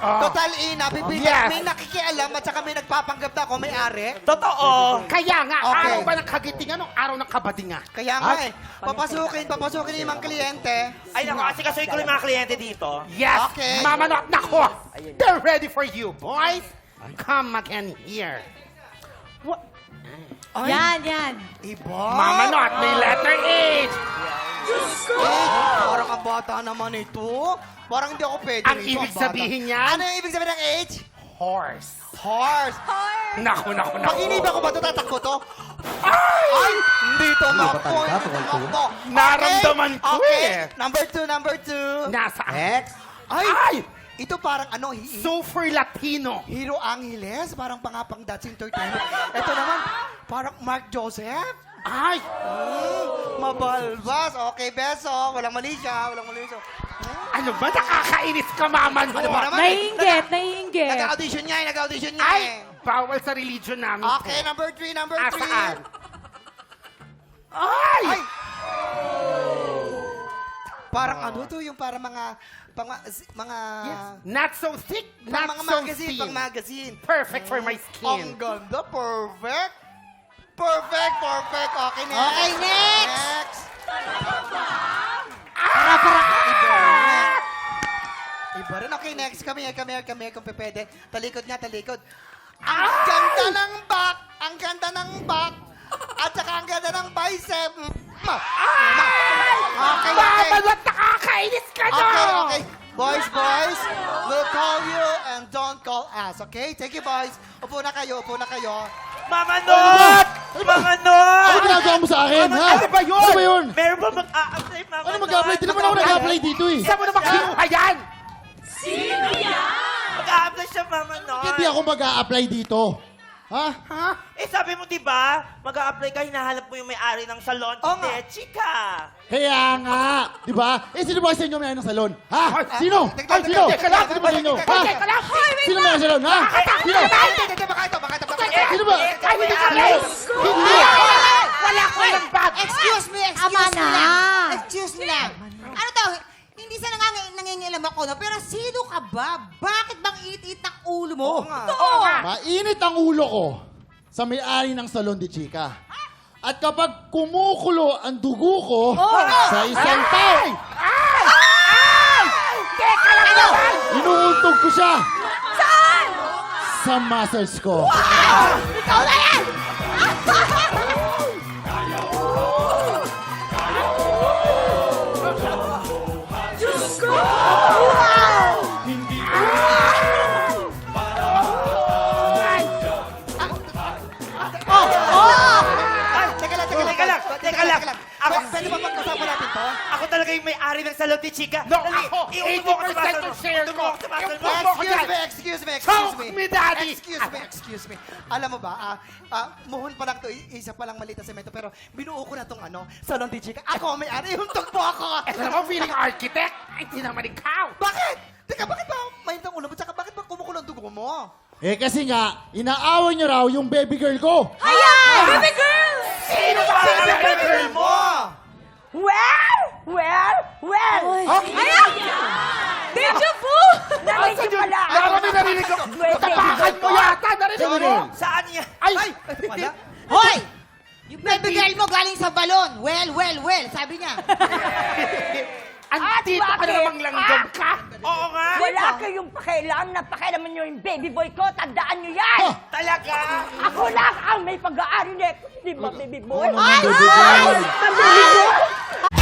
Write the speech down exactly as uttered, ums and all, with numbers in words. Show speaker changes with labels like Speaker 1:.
Speaker 1: Total ina, bibili.
Speaker 2: Yes.
Speaker 1: May nakikialam at saka may nagpapanggap na ako, may-ari.
Speaker 3: Totoo.
Speaker 2: Kaya nga,
Speaker 1: Okay.
Speaker 2: araw ba ng kagitingan o araw ng kabadinga?
Speaker 1: Kaya nga eh, papasukin, papasukin yung mga kliyente.
Speaker 3: Ay, naku, kasi kasuhin ko yung mga kliyente dito.
Speaker 2: Yes!
Speaker 1: Okay.
Speaker 2: Mama Not, nako! They're ready for you, boys! Come again here. What?
Speaker 1: Ay,
Speaker 4: Yan, yan.
Speaker 1: iba.
Speaker 2: Mama Not, may letter H!
Speaker 1: Eh, parang ang bata naman ito. Parang hindi ako pwede
Speaker 2: Ang
Speaker 1: rito,
Speaker 2: ibig
Speaker 1: bata.
Speaker 2: sabihin niyan?
Speaker 1: Ano yung ibig sabihin ng age?
Speaker 2: Horse.
Speaker 1: Horse.
Speaker 2: Naku, naku, naku.
Speaker 1: Pag iniba ko ba ito, tatakbo to? Ay! Hindi to makpo. Hindi to makpo.
Speaker 2: Naramdaman ko
Speaker 1: Okay.
Speaker 2: eh.
Speaker 1: Number two, number two.
Speaker 2: Nasa
Speaker 1: X. Ay!
Speaker 2: Ay!
Speaker 1: Ito parang ano, hi-
Speaker 2: Super Latino.
Speaker 1: Hero Angeles, parang pangapang That's Entertainment. Ito naman, parang Mark Joseph.
Speaker 2: Ay!
Speaker 1: Mm, mabalbas. Okay, beso. Walang mali siya. Walang mali siya.
Speaker 2: Ano ba? Nakakainis ka, Mama Not.
Speaker 1: Ano ba naman?
Speaker 4: Naiinggit, naiinggit.
Speaker 1: Nag-audition niya eh. Nag-audition niya
Speaker 2: Ay!
Speaker 1: eh.
Speaker 2: Bawal sa religion namin.
Speaker 1: Okay,
Speaker 2: to.
Speaker 1: number three, number
Speaker 2: Ah,
Speaker 1: three.
Speaker 2: saan? Ay!
Speaker 1: Ay! Parang ano to, yung parang mga, pang, mga,
Speaker 2: Not so thick,
Speaker 1: pang
Speaker 2: not
Speaker 1: mga
Speaker 2: so
Speaker 1: magazine,
Speaker 2: thin.
Speaker 1: pang magazine.
Speaker 2: Perfect for my
Speaker 1: Ang
Speaker 2: skin.
Speaker 1: ganda, perfect. Perfect, perfect. Okay, next.
Speaker 4: Okay, next.
Speaker 1: Next.
Speaker 4: Para, para.
Speaker 1: Iba rin. Iba rin. Okay, next. Come here, come here, come here, kung pwede. Talikod nga, talikod. Ang ganda ng back. Ang ganda ng back. At saka ang ganda ng bicep. Ma. Ma. Okay, okay.
Speaker 2: Mama Not, nakakainis ka na!
Speaker 1: Okay, okay. Boys, boys, we'll call you and don't call us, okay? Thank you, boys. Upo na kayo, upo na kayo.
Speaker 3: Mama Not! Mama
Speaker 5: Ano
Speaker 3: Not!
Speaker 5: ginagawa mo sa akin, ha?
Speaker 2: Ano ba yun?
Speaker 5: Ano ba yun?
Speaker 3: Meron ba mag-a-apply, Mama
Speaker 5: Ano
Speaker 3: Not?
Speaker 5: mag-apply? Di naman ako nag-apply dito eh.
Speaker 2: Saan mo naman kinuha yan?
Speaker 3: Mag-a-apply siya, Mama Not.
Speaker 5: Hindi ako mag-a-apply dito. Ha?
Speaker 2: Ha?
Speaker 3: Eh, sabi mo, di ba? Mag-a-apply ka, hinahanap mo yung may-ari ng salon.
Speaker 1: Oo nga.
Speaker 3: Hindi, chika.
Speaker 5: Kaya nga. Di ba? Eh, sino ba sa inyo may ng salon? Ha?
Speaker 2: Ay,
Speaker 5: Sino?
Speaker 1: teka,
Speaker 5: Ay,
Speaker 1: teka,
Speaker 5: sino?
Speaker 1: teka lang,
Speaker 5: Sino ba sa inyo?
Speaker 1: teka,
Speaker 5: Ha?
Speaker 2: Teka lang!
Speaker 5: Sino may ng salon? Ha? Sino?
Speaker 1: Ay, hindi, hindi, baka ito, baka ito, baka ito.
Speaker 5: Sino ba?
Speaker 2: Ay, hindi ka
Speaker 3: May-ari.
Speaker 5: Hindi.
Speaker 2: Wala ko ng bag!
Speaker 6: Excuse me, excuse
Speaker 4: Ama
Speaker 6: me
Speaker 4: na.
Speaker 6: lang. Excuse me lang. Ano daw, hindi sa nangang nangingilam ako, no? Pero sino ka ba? Bakit bang iit-iit ng ulo mo?
Speaker 1: Oo nga.
Speaker 2: Oo nga!
Speaker 5: Mainit ang ulo ko sa may-ari ng salon di Chika. At kapag kumukulo ang dugo ko sa isang tao,
Speaker 2: Ay! Ay! Teka lang naman!
Speaker 5: inuuntog ko siya. Saan? Sa muscles ko.
Speaker 6: Ikaw na yan!
Speaker 1: Ay, teka lang, teka lang.
Speaker 3: Teka lang, teka lang. Ako-
Speaker 1: Pwede- Pwede ba pag-usapan natin to?
Speaker 3: Ako talaga yung may-ari ng salon ni Chika.
Speaker 2: No,
Speaker 3: Dali,
Speaker 2: ako!
Speaker 3: iuto mo ako sa
Speaker 2: eighty percent
Speaker 3: muscle
Speaker 2: of
Speaker 3: mo.
Speaker 2: share
Speaker 3: Iuto
Speaker 2: ko!
Speaker 3: mo ako sa muscle mo.
Speaker 2: Iuto mo ako
Speaker 1: Excuse
Speaker 2: dyan!
Speaker 1: me, excuse me, excuse
Speaker 2: Choke
Speaker 1: me.
Speaker 2: me, Daddy!
Speaker 1: Excuse me, excuse me. Alam mo ba, ah, ah, muhon pa lang to, i- isa pa lang maliit na semento, pero binuo ko na tong ano, salon di Chica. Ako ang may-ari, yung tugpo ako.
Speaker 2: Ito naman feeling architect! Ay, hindi naman ikaw!
Speaker 1: Bakit? Teka, bakit ba mainit ang ulo mo? Tsaka bakit ba kumukulo ang dugo mo?
Speaker 5: Eh kasi nga, inaaway niyo raw yung baby girl ko.
Speaker 4: Ayan! Baby girl!
Speaker 2: Sino ba ang baby girl mo?
Speaker 7: Well, well, well.
Speaker 4: Ayan! Deja vu!
Speaker 7: Narinig mo lang.
Speaker 2: Laro may narinig ko! Tapakan mo yata! Narinig mo!
Speaker 3: Saan niya?
Speaker 2: Ay!
Speaker 1: Ay, ito pala.
Speaker 6: Hoy! Yung baby girl mo galing sa balon. Well, well, well, sabi niya.
Speaker 2: Andito ka
Speaker 7: bakit?
Speaker 2: na namang langgam ka!
Speaker 3: Oo nga.
Speaker 7: Wala kayong pakialam na pakialaman nyo yung baby boy ko. Tandaan nyo yan.
Speaker 3: Talaga.
Speaker 7: Ako lang ang may pag-aari nito. Di ba, baby boy?
Speaker 5: Ano naman, baby girl?
Speaker 7: Baby boy?